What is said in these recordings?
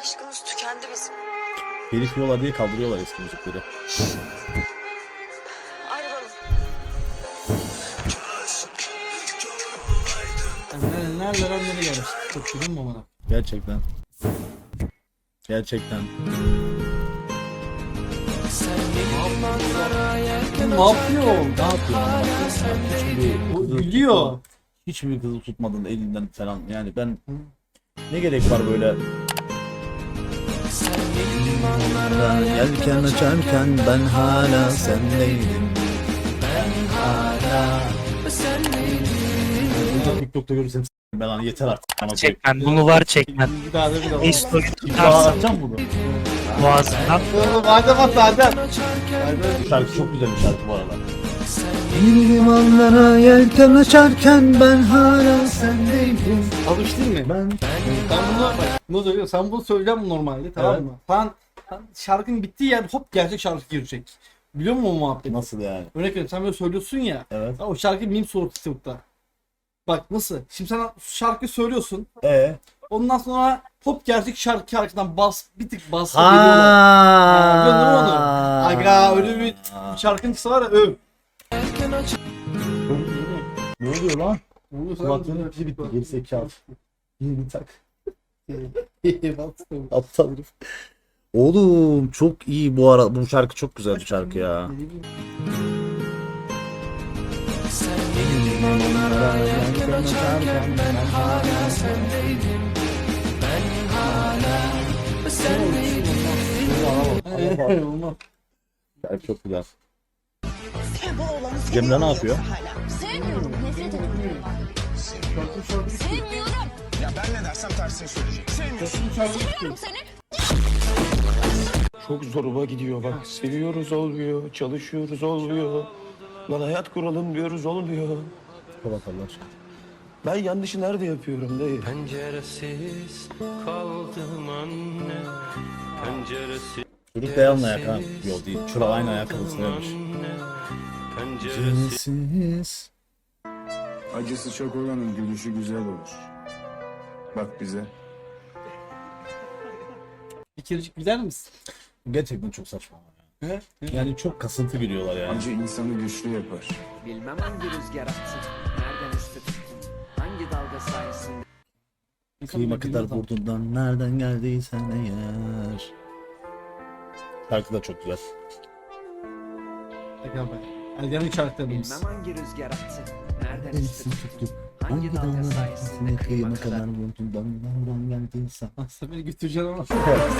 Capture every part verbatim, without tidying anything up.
Aşkımız tükendi bizim. Herif yiyorlar diye kaldırıyorlar eski müzikleri. Ayrılalım. Yani nerelerden nereye gelmiş? Çok bilin mi bana? Gerçekten. Gerçekten. Ne yapıyor? Ne yapıyor? O gülüyor. Hiçbir kızı tutmadın elinden falan. Yani ben ne gerek var böyle? Yelken açarken ben hala sendeydim. Ben hala sendeydim. TikTok'ta görürsem s**tim ben lan yeter artık. Bana Çek ben bunu var çek ben. Bir daha da bir daha. Bir story Bir tutarsın atacağım bunu. boğazından. Madem at Adem. Şarkı çok güzel bir şarkı bu arada. Yeni limanlara yelken açarken ben hala sendeydim. Alıştın mı? Ben Ben bunu bak, bunu söylüyorum. Sen bunu söyleyeceğim normalde, tamam Evet. mı? Sen, sen şarkının bittiği yer hop gerçek şarkı girecek. Biliyor musun o muhabbeti? nasıl yani? Örnek veriyorum, sen böyle söylüyorsun ya. Evet. Ha, o şarkı meme soru TikTok'ta. Bak nasıl? Şimdi sen şarkı söylüyorsun. Ee? Ondan sonra hop gerçek şarkı şarkıdan bas bir tık bas geliyorlar. Ha, biliyorsun değil mi onu? Aga öyle bir şarkıncısı var ya, öv. Ne oluyor lan? Bunu Kulaklığının pili bitti geri zekalı. Yeni bir tak. sen- Aptal herif. Oğlum çok iyi bu ara bu şarkı çok güzel bir şarkı ya. Olmaz. Şarkı çok güzel. Sen bu oğlanı Cemre ne yapıyor? Sevmiyorum. Nefret ediyorum. Sevmiyorum. Ya ben ne dersem tersini söyleyecek. Sevmiyorsun. Seviyorum seni. Çok zoruma gidiyor bak. Seviyoruz olmuyor, çalışıyoruz olmuyor. Lan hayat kuralım diyoruz olmuyor. Kapat Allah aşkına. Ben yanlışı nerede yapıyorum dayı? Penceresiz kaldım anne. Penceresiz Çocuk da yanına ayak ha. Yok değil. Şura aynı ayakkabısıymış. anne. Penceresiz Cinsiz. Acısı çok olanın gülüşü güzel olur. Bak bize. Bir kerecik güler misin? Gerçekten çok saçma. He? Yani çok kasıntı gülüyorlar yani. Acı insanı güçlü yapar. Bilmem hangi rüzgar attı, nereden üstü tuttun, hangi dalga sayesinde. Kıyma kadar burnundan nereden geldiysen eğer. Şarkı da çok güzel. Aga be. Ergenlik şarkılarımız. Bilmem hangi rüzgar attı, nereden üstü Elsin tuttun, tuttum. hangi Hangi dalga dalga sayesinde kıyma kıyma kadar kadar. burnundan nereden geldiysen. Aslında beni götüreceksin ama.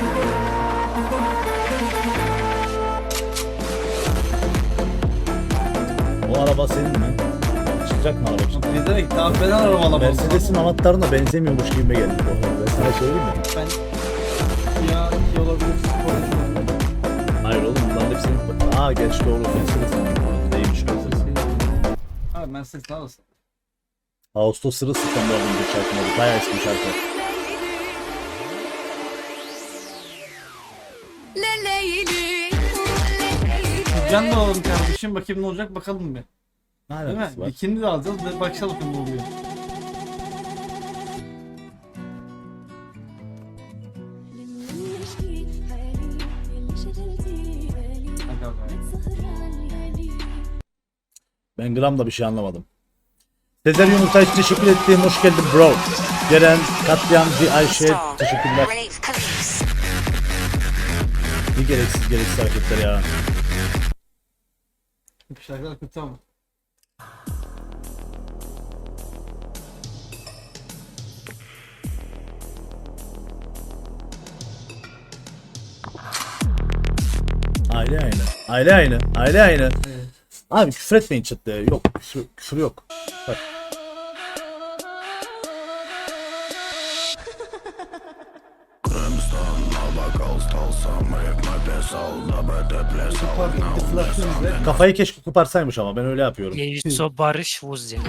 O araba senin mi? Çıkacak mı araba için? Ne demek? Daha ben arabalamam. Mercedes'in anahtarına benzemiyormuş gibime geldi bu arada. Ben sana söyleyeyim mi? Ben ya iyi olabilir. Hayır oğlum bunların hepsinin... Aa geç doğru. Mercedes'in anahtarı değilmiş Mercedes. Abi Mercedes ne arasın? Ağustos sırılsıklam bu arada bir şarkı oldu. Bayağı eski bir şarkı. Can da alalım kardeşim, bakayım ne olacak bakalım bir. Ne Değil mi? alakası var? Bikini de alacağız, bir bakalım ne oluyor. Aga be. Ben gram da bir şey anlamadım. Sezer Yumurta için teşekkür ettiğim hoş geldin bro. Ceren, Katliamcı, Ayşe teşekkürler. Bir gereksiz gereksiz hareketler ya. Bu şarkılar kötü ama. Aile aynı. Aile aynı. Aile aynı. Evet. Abi küfür etmeyin chatte. Yok küfür, küfür yok. Bak. Kafayı keşke koparsaymış ama ben öyle yapıyorum. Yeiso Barış Vuzi.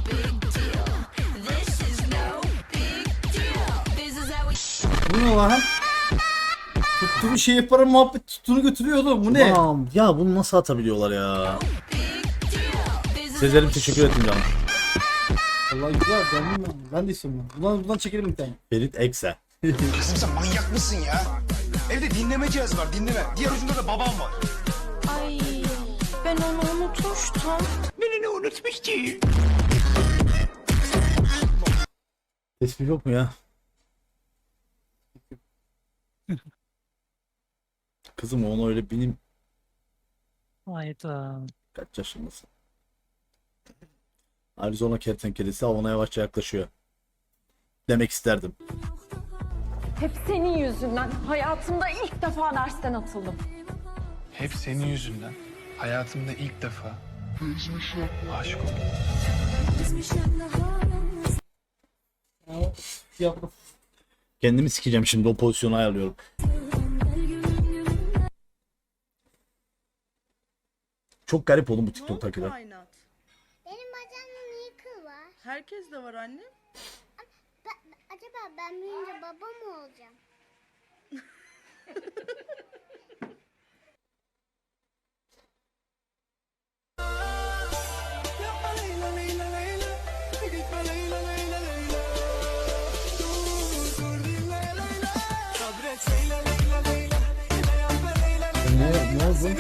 Bu ne lan? Tuttuğu şey yaparım muhabbet tuttuğunu götürüyor oğlum, bu ne? Tamam. Ya bunu nasıl atabiliyorlar ya? Sezer'im teşekkür ettim canım. Vallahi güzel, ben, ben de istiyorum ben. Bundan, bundan çekelim bir tane. Ferit Ekse. Kızım sen manyak mısın ya? Evde dinleme cihazı var dinleme. Diğer ucunda da babam var. Ay ben onu unutmuştum. Beni ne unutmuş ki? Tespih yok mu ya? Kızım onu öyle benim Hayda. kaç yaşındasın? Arizona kertenkelesi avına yavaşça yaklaşıyor. Demek isterdim. Hep senin yüzünden hayatımda ilk defa dersten atıldım. Hep senin yüzünden. Hayatımda ilk defa. Aşık oldum. Yapma. Kendimi sikeceğim şimdi, o pozisyonu ayarlıyorum. Çok garip oğlum bu TikTok'takiler. Benim bacağımda niye kıl var? Herkes de var anne. Ben, acaba ben büyüyünce baba mı olacağım? Ne, ne oldu?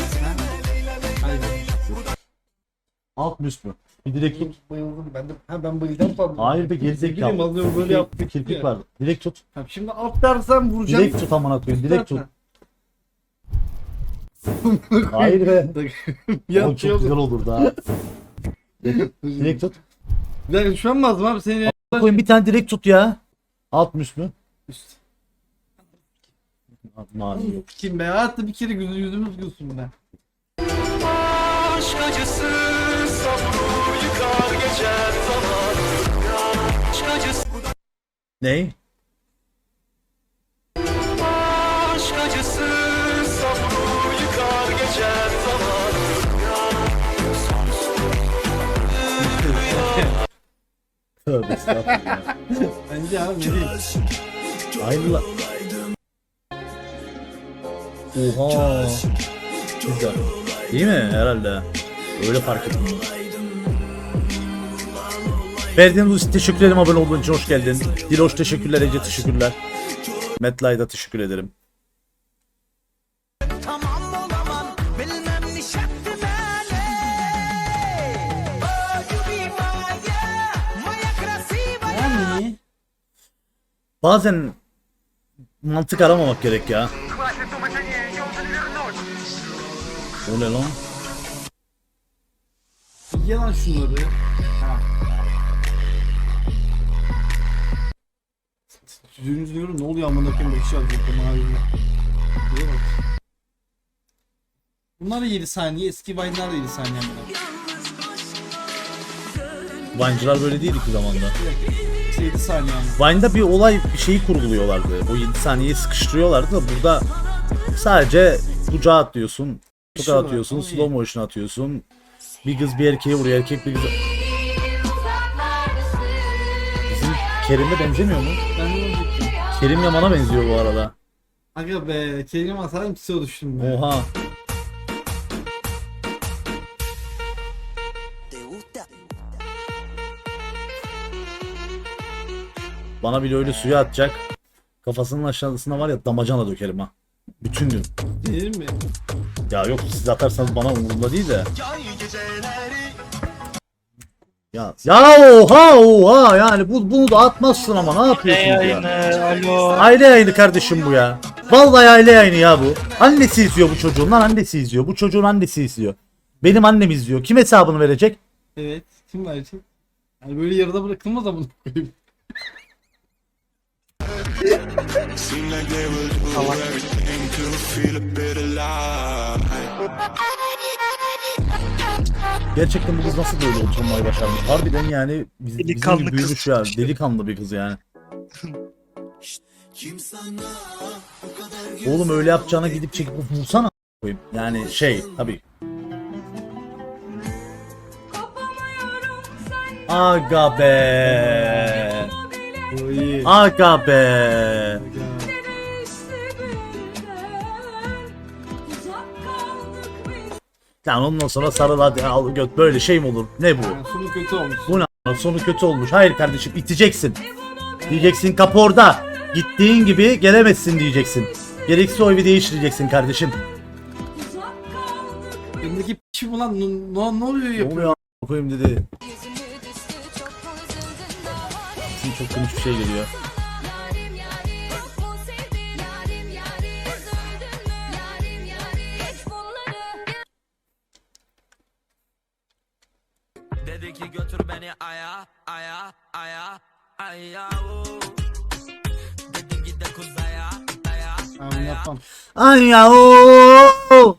Alt mı üst mü? Bir direkt tut. Bayıldım ben de. Ha ben bayıldım falan. Hayır be, Ne bileyim, gerizekalı. alıyorum böyle yaptık Kirpik ya. var. Direkt tut. Ha, şimdi alt dersem vuracağım. Direkt tut amına koyayım. Direkt tut. Hayır. Hayır be. Ya Oğlum çok güzel olur da. Direkt tut. Ya şu an mı lazım abi seni? Koyun bir tane direkt tut ya. Alt mı üst mü? Üst. Mavi yok. Kim be? Hatta bir kere yüzü yüzümüz gülsün be. Aşk acısı sabru yıkar geçer zaman. Aşk acısı Ney? Aşk acısı sabru yıkar geçer zaman. Tövbe estağfurullah. Bence abi ne diyeyim? Aynı la. Oha. Güzel. Değil mi? Herhalde. Öyle fark ettim. Verdiğiniz için teşekkür ederim, abone olduğun için hoş geldin. Diloş teşekkürler, Ece teşekkürler. Metlay'da teşekkür ederim. Yani. Bazen mantık aramamak gerek ya. O ne lan? Ye lan şunları. Ha. Yüzünüzü diyorum ne oluyor amına koyayım bakış alacaktım abi. Buraya bak. Bunlar da yedi saniye, eski Vine'lar da yedi saniye amına. Vine'cılar böyle değildi ki zamanda. yedi saniye amına. Vine'da bir olay, bir şeyi kurguluyorlardı. O yedi saniyeyi sıkıştırıyorlardı da burada sadece kucağa atlıyorsun, kucağa atıyorsun, slow motion atıyorsun. Bir kız bir erkeğe vuruyor, erkek bir kız... Bizim Kerim'e benzemiyor mu? Ben de olacaktım. Kerim Yaman'a benziyor bu arada. Aga be, kelime atarım psiyo düştüm be. Oha. Bana bile öyle suya atacak. Kafasının aşağısına var ya damacana dökerim ha. Bütün gün. Değil mi? Ya yok, siz atarsanız bana umurumda değil de. Ya ya oha oha yani bu bunu da atmazsın ama ne Ne yapıyorsun ya? yayını? Alo. Aile yayını kardeşim bu ya. Vallahi aile yayını ya bu. Annesi izliyor bu çocuğun lan, annesi izliyor. Bu çocuğun annesi izliyor. Benim annem izliyor. Kim hesabını verecek? Evet. Kim verecek? Yani böyle yarıda bırakılmaz da bunu koyayım. Gerçekten bu kız nasıl böyle oturmayı başarmış? Harbiden yani biz, bizim Delikanlı gibi büyümüş kız. ya. Delikanlı bir kız yani. Oğlum öyle yapacağına gidip çekip vursana koyayım. Yani şey tabii. Aga be. Oy. Aga be. Yani ondan sonra sarıl hadi al göt, böyle şey mi olur? Ne bu? Yani sonu kötü olmuş. Bu ne? Sonu kötü olmuş. Hayır kardeşim, iteceksin. Diyeceksin kapı orada. Gittiğin gibi gelemezsin diyeceksin. Gerekirse o evi değiştireceksin kardeşim. Önündeki p*** mi lan? Ne, ne, ne oluyor Ne yapıyor? oluyor a**a koyayım dedi. Şimdi çok komik bir şey geliyor. Dedi ki götür beni aya aya aya aya oo. Dedim git de kuzaya aya Ben bunu yapmam. Ay ya ooo.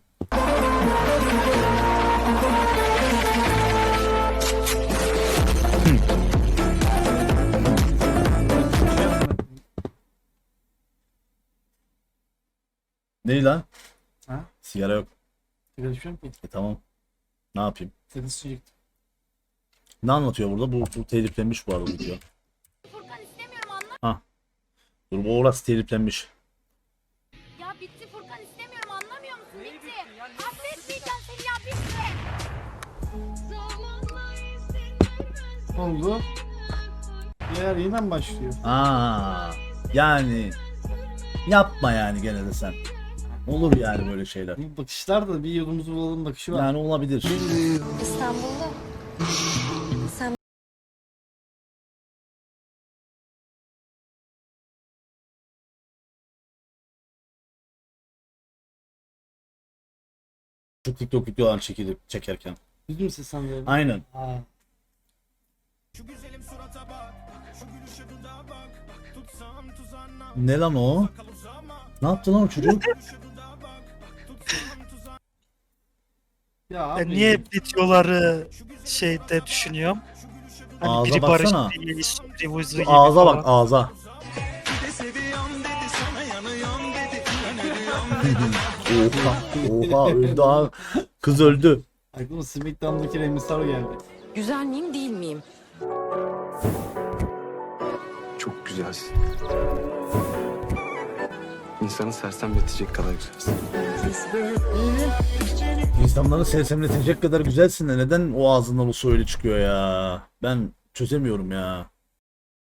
Ne lan? Ha? Sigara yok. Sigara içmiyorum ki. E tamam. Ne yapayım? Seni sıçrayacaktım. Ne anlatıyor burada? Bu, bu teliflenmiş bu arada video. Furkan istemiyorum anla. Ha. Dur bu orası teliflenmiş. Ya bitti Furkan istemiyorum anlamıyor musun? Bitti. Affetmeyeceğim seni ya bitti. Ne oldu? Diğer yine mi başlıyor? Aa. Yani yapma yani gene de sen. Olur yani böyle şeyler. Bu bakışlar da bir yolumuzu bulalım bakışı var. Yani olabilir. İstanbul'da. Sen Şu TikTok videolarını çekilip çekerken. Yüz mü sen de? Aynen. Ha. Ne lan o? Ne yaptı lan o çocuk? Ya Ben abi. niye videoları şeyde düşünüyorum? Hani Ağza biri baksana. Barış diye isimli vuzu gibi Ağza bak falan. ağza. Oha oha öldü abi. Kız öldü. Aklıma Smackdown'daki Rey Mysterio geldi. güzel miyim değil miyim? Çok güzelsin. İnsanı sersemletecek kadar güzelsin. İnsanları sersemletecek kadar güzelsin de neden o ağzından o su öyle çıkıyor ya? Ben çözemiyorum ya.